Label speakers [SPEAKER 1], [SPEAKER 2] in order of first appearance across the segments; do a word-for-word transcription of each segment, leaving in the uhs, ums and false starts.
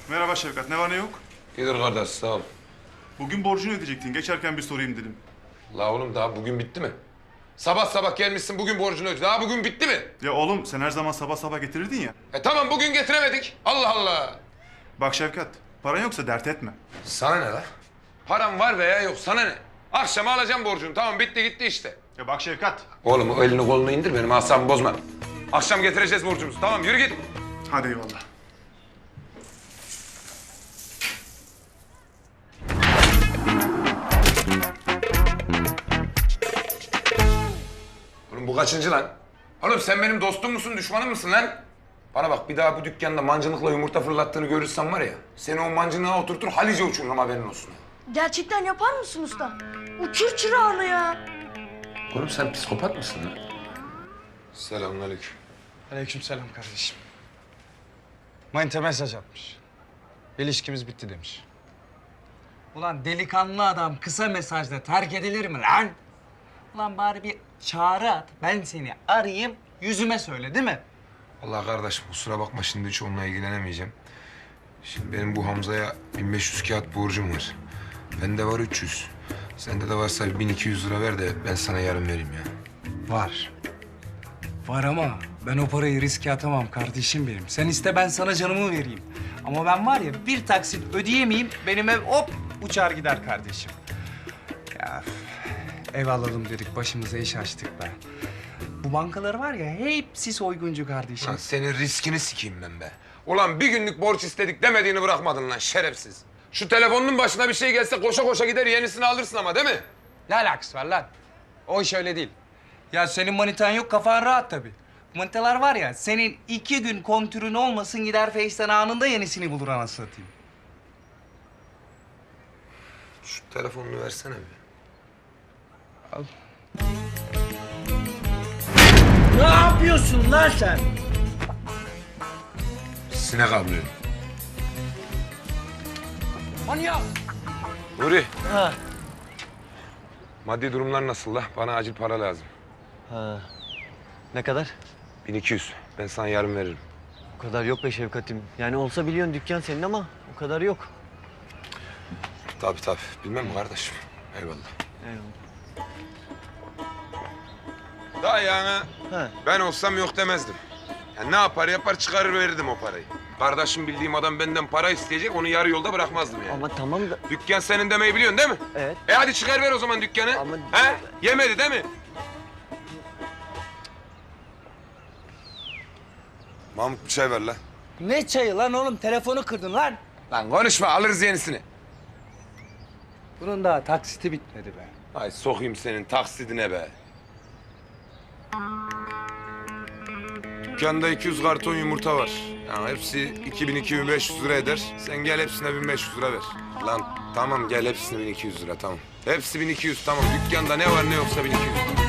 [SPEAKER 1] Merhaba Şevkat, ne var ne yok?
[SPEAKER 2] İyidir kardeş, sağ ol.
[SPEAKER 1] Bugün borcunu ödeyecektin, geçerken bir sorayım dedim.
[SPEAKER 2] La oğlum daha bugün bitti mi? Sabah sabah gelmişsin bugün borcunu öde. Daha bugün bitti mi?
[SPEAKER 1] Ya oğlum, sen her zaman sabah sabah getirirdin ya.
[SPEAKER 2] E tamam bugün getiremedik. Allah Allah.
[SPEAKER 1] Bak Şevkat, paran yoksa dert etme.
[SPEAKER 2] Sana ne la? Param var veya yok sana ne? Akşama alacağım borcunu. Tamam bitti gitti işte.
[SPEAKER 1] Ya bak Şevkat.
[SPEAKER 2] Oğlum o elini kolunu indir benim asabımı bozma. Akşam getireceğiz borcumuzu. Tamam yürü git.
[SPEAKER 1] Hadi eyvallah.
[SPEAKER 2] Oğlum bu kaçıncı lan? Oğlum sen benim dostum musun, düşmanım mısın lan? Bana bak bir daha bu dükkanda mancınıkla yumurta fırlattığını görürsem var ya... ...seni o mancınığa oturtur Halice uçururum haberin olsun.
[SPEAKER 3] Gerçekten yapar mısın usta? Uçur çırağını ya.
[SPEAKER 2] Oğlum sen psikopat mısın lan? Selamünaleyküm.
[SPEAKER 4] Aleykümselam kardeşim. Manita mesaj atmış. İlişkimiz bitti demiş. Ulan delikanlı adam kısa mesajla terk edilir mi lan? Ulan bari bir çağrı at. Ben seni arayayım, yüzüme söyle değil mi?
[SPEAKER 2] Allah kardeşim kusura bakma şimdi hiç onunla ilgilenemeyeceğim. Şimdi benim bu Hamza'ya bin beş yüz kağıt borcum var. Bende var üç yüz. Sende de varsa bin iki yüz lira ver de ben sana yarın vereyim ya.
[SPEAKER 4] Var. Var ama ben o parayı riske atamam kardeşim benim. Sen iste ben sana canımı vereyim. Ama ben var ya bir taksit ödeyemeyeyim benim ev hop uçar gider kardeşim. Ya üf, ev alalım dedik başımıza iş açtık be. Bu bankalar var ya hepsi soyguncu kardeşim.
[SPEAKER 2] Lan senin riskini sikeyim ben be. Ulan bir günlük borç istedik demediğini bırakmadın lan şerefsiz. Şu telefonun başına bir şey gelse koşa koşa gider yenisini alırsın ama değil mi?
[SPEAKER 4] Ne alakası var lan? O iş öyle değil. Ya senin manitan yok kafan rahat tabii. Manitalar var ya senin iki gün kontürün olmasın gider Face'ten anında yenisini bulur anasını satayım.
[SPEAKER 2] Şu telefonunu versene bir.
[SPEAKER 4] Al.
[SPEAKER 5] Ne yapıyorsun lan sen?
[SPEAKER 2] Sinek avlıyorum.
[SPEAKER 4] Manyak!
[SPEAKER 2] Nuri,
[SPEAKER 5] Ha.
[SPEAKER 2] maddi durumlar nasıl la? Bana acil para lazım.
[SPEAKER 5] Ha. Ne kadar?
[SPEAKER 2] bin iki yüz. Ben sana yarın veririm.
[SPEAKER 5] O kadar yok be Şevkat'im. Yani olsa biliyorsun dükkan senin ama o kadar yok.
[SPEAKER 2] Tabii tabii. Bilmem mi kardeşim? Eyvallah.
[SPEAKER 5] Eyvallah.
[SPEAKER 2] Daha yani
[SPEAKER 5] Ha.
[SPEAKER 2] ben olsam yok demezdim. Yani ne yapar yapar çıkarır verirdim o parayı. Kardeşim bildiğim adam benden para isteyecek, onu yarı yolda bırakmazdım yani.
[SPEAKER 5] Ama tamam da...
[SPEAKER 2] Dükkan senin demeyi biliyorsun değil mi?
[SPEAKER 5] Evet.
[SPEAKER 2] E hadi çıkar ver o zaman dükkanı.
[SPEAKER 5] Ama-
[SPEAKER 2] He? Yemedi değil mi? Mahmut bir çay ver lan.
[SPEAKER 4] Ne çayı lan oğlum? Telefonu kırdın lan.
[SPEAKER 2] Lan konuşma alırız yenisini.
[SPEAKER 4] Bunun daha taksiti bitmedi be.
[SPEAKER 2] Ay sokayım senin taksidine be. Dükkanda iki yüz karton yumurta var. Yani hepsi iki bin iki bin beş yüz lira eder. Sen gel hepsine bin beş yüz lira ver. Lan tamam gel hepsine bin iki yüz lira tamam. Hepsi bin iki yüz tamam. Dükkanda ne var ne yoksa bin iki yüz.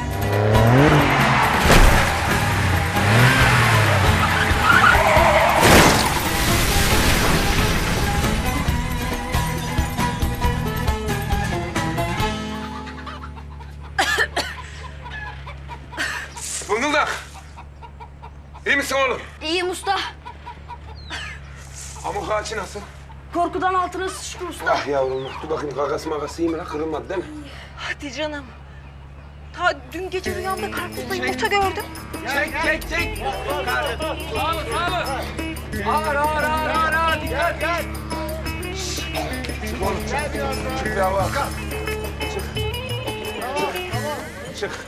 [SPEAKER 2] Fıngıldak. İyi misin oğlum?
[SPEAKER 3] İyiyim usta.
[SPEAKER 2] Pamuk ağaçı nasıl?
[SPEAKER 3] Korkudan altına sıçtı usta.
[SPEAKER 2] Ah yavrum, dur bakayım kakası makası iyi mi lan? Kırılmadı değil mi?
[SPEAKER 6] Hadi canım. Ta dün gece rüyamda karpuzla yumurta gördüm.
[SPEAKER 4] Çek çek çek. Sağ ol sağ ol. Ağır ağır ağır ağır ağır. Dikkat gel.
[SPEAKER 2] Çık oğlum, çık. Çık bir hava. Çık. Çık. Çık.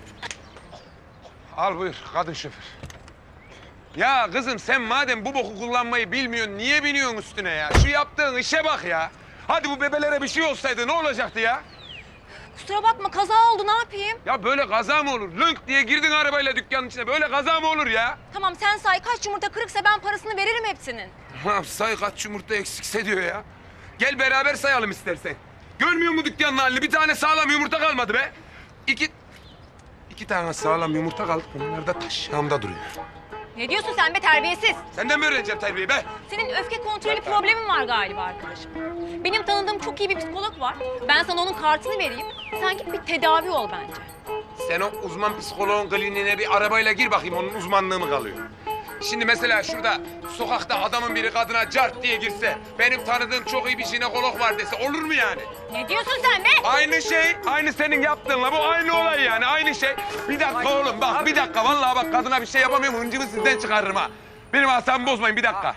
[SPEAKER 2] Al buyur, kadın şoför. Ya kızım sen madem bu boku kullanmayı bilmiyorsun, niye biniyorsun üstüne ya? Şu yaptığın işe bak ya. Hadi bu bebelere bir şey olsaydı ne olacaktı ya?
[SPEAKER 6] Kusura bakma kaza oldu ne yapayım?
[SPEAKER 2] Ya böyle kaza mı olur? Lönk diye girdin arabayla dükkanın içine. Böyle kaza mı olur ya?
[SPEAKER 6] Tamam sen say kaç yumurta kırıksa ben parasını veririm hepsinin.
[SPEAKER 2] Ha, say kaç yumurta eksikse diyor ya. Gel beraber sayalım istersen. Görmüyor musun dükkanın halini? Bir tane sağlam yumurta kalmadı be. İki... iki tane sağlam yumurta kaldı. Bunlar da taş yanımda duruyor.
[SPEAKER 6] Ne diyorsun sen be terbiyesiz?
[SPEAKER 2] Senden mi öğreneceğim terbiyeyi be?
[SPEAKER 6] Senin öfke kontrolü problemin var galiba arkadaşım. Benim tanıdığım çok iyi bir psikolog var. Ben sana onun kartını vereyim. Sen git bir tedavi ol bence.
[SPEAKER 2] Sen o uzman psikoloğun kliniğine bir arabayla gir bakayım. Onun uzmanlığı mı kalıyor? Şimdi mesela şurada sokakta adamın biri kadına cart diye girse, benim tanıdığım çok iyi bir jinekolog var dese olur mu yani?
[SPEAKER 6] Ne diyorsun sen be?
[SPEAKER 2] Aynı şey, aynı senin yaptığınla bu aynı olay yani, aynı şey. Bir dakika oğlum bak, bir dakika vallahi bak kadına bir şey yapamıyorum, hıncımı sizden çıkarırım ha. Benim asabımı bozmayın, bir dakika.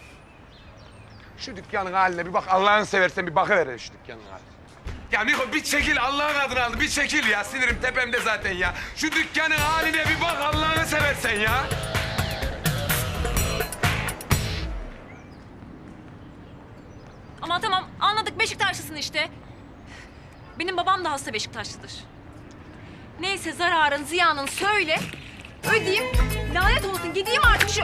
[SPEAKER 2] Şu dükkanın haline bir bak, Allah'ını seversen bir bakıver şu dükkanın haline. Ya Niko bir çekil Allah'ın adını aldı, bir çekil ya. Sinirim tepemde zaten ya. Şu dükkanın haline bir bak Allah'ını seversen ya.
[SPEAKER 6] Ama tamam anladık Beşiktaşlısın işte. Benim babam da hasta Beşiktaşlıdır. Neyse zararın ziyanın söyle. Ödeyeyim. Lanet olsun gideyim artık şu...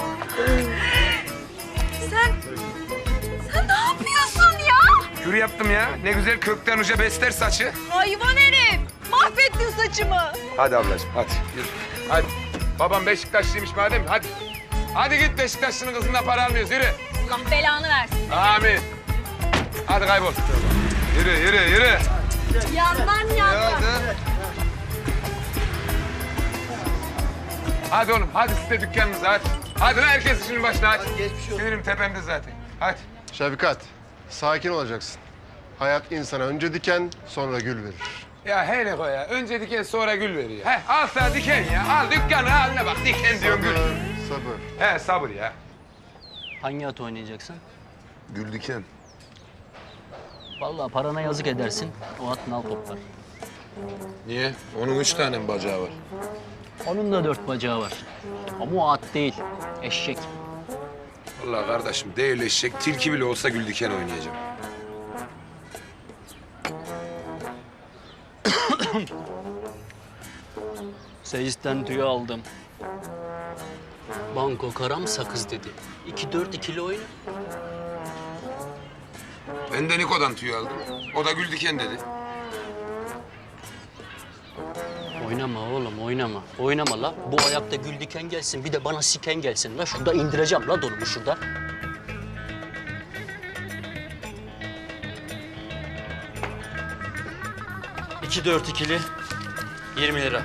[SPEAKER 6] Sen... Sen ne yapıyorsun ya?
[SPEAKER 2] Kür yaptım ya. Ne güzel kökten uca besler saçı.
[SPEAKER 6] Hayvan herif. Mahvettin saçımı.
[SPEAKER 2] Hadi ablacığım hadi yürü. Hadi. Babam Beşiktaşlıymış madem hadi. Hadi git Beşiktaşlı'nın kızından para almıyoruz yürü.
[SPEAKER 6] Allah belanı versin.
[SPEAKER 2] Amin. Hadi kaybol. Yürü yürü yürü.
[SPEAKER 6] Yandan yandan.
[SPEAKER 2] Hadi oğlum hadi siz de dükkanınıza hadi. Hadi lan herkes işinin başına hadi. Sinirim tepemde zaten. Hadi.
[SPEAKER 7] Şefkat, sakin olacaksın. Hayat insana önce diken, sonra gül verir.
[SPEAKER 2] Ya hele o ya. Önce diken sonra gül veriyor. He al sana diken ya. Al dükkanın haline bak. Diken diyorum gül.
[SPEAKER 7] Sabır.
[SPEAKER 2] He sabır ya.
[SPEAKER 5] Hangi at oynayacaksın?
[SPEAKER 2] Gül diken.
[SPEAKER 5] Vallahi parana yazık edersin. O at nal toplar.
[SPEAKER 2] Niye? Onun üç tane mi bacağı var?
[SPEAKER 5] Onun da dört bacağı var. Ama o at değil. Eşek.
[SPEAKER 2] Vallahi kardeşim değil eşek. Tilki bile olsa gül diken oynayacağım.
[SPEAKER 5] Seyisten tüyü aldım. Banko karam sakız dedi. İki dört ikili oyna.
[SPEAKER 2] Ben de Niko'dan tüy aldım. O da gül diken dedi.
[SPEAKER 5] Oynama oğlum oynama. Oynama la. Bu ayakta gül diken gelsin bir de bana siken gelsin la. Şurada indireceğim la donumu şurada.
[SPEAKER 8] İki dört ikili yirmi lira.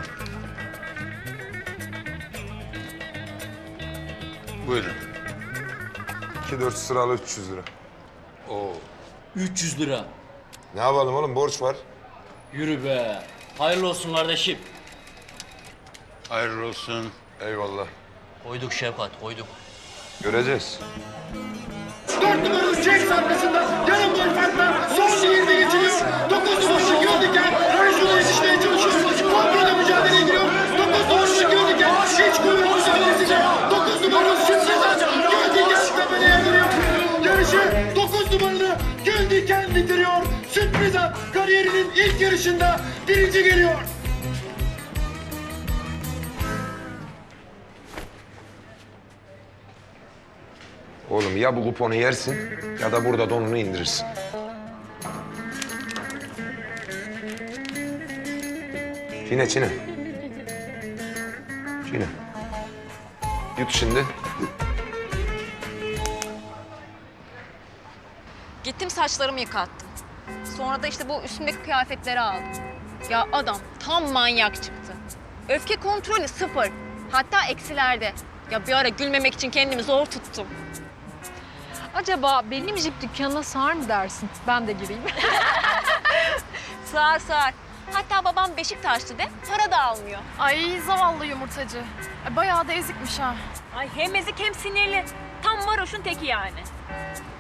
[SPEAKER 2] Buyurun. İki dört sıralı üç yüz lira. Oo.
[SPEAKER 8] üç yüz lira.
[SPEAKER 2] Ne yapalım oğlum borç var.
[SPEAKER 8] Yürü be. Hayırlı olsun kardeşim.
[SPEAKER 2] Hayırlı olsun. Eyvallah.
[SPEAKER 8] Koyduk Şevkat, koyduk.
[SPEAKER 2] Göreceğiz.
[SPEAKER 9] Dört numaralı James arkasında yarım gol farkla son yirmi geçiliyor. Dokuz numaralı Göldiken Rajun'a yetişmeye çalışıyor. Kontrolde mücadele ediyor. Dokuz numaralı Göldiken hiç kuvvet mücadelesiyle. Dokuz numaralı Şimşek'ten Göldiken tepeleye giriyor. Yarışı dokuz numaralı Göldiken bitiriyor. Sürpriz at kariyerinin ilk yarışında birinci geliyor.
[SPEAKER 2] Oğlum ya bu kuponu yersin ya da burada donunu indirirsin. Çiğne çiğne. Çiğne. Yut şimdi.
[SPEAKER 6] Gittim saçlarımı yıkattım. Sonra da işte bu üstümdeki kıyafetleri aldım. Ya adam tam manyak çıktı. Öfke kontrolü sıfır. Hatta eksilerde. Ya bir ara gülmemek için kendimi zor tuttum.
[SPEAKER 10] Acaba benim jip dükkanına sığar mı dersin? Ben de gireyim.
[SPEAKER 6] Sığar sığar. Hatta babam Beşiktaşlı de para da almıyor.
[SPEAKER 10] Ay zavallı yumurtacı. Ay, bayağı da ezikmiş ha.
[SPEAKER 6] Ay hem ezik hem sinirli. Tam varoşun teki yani.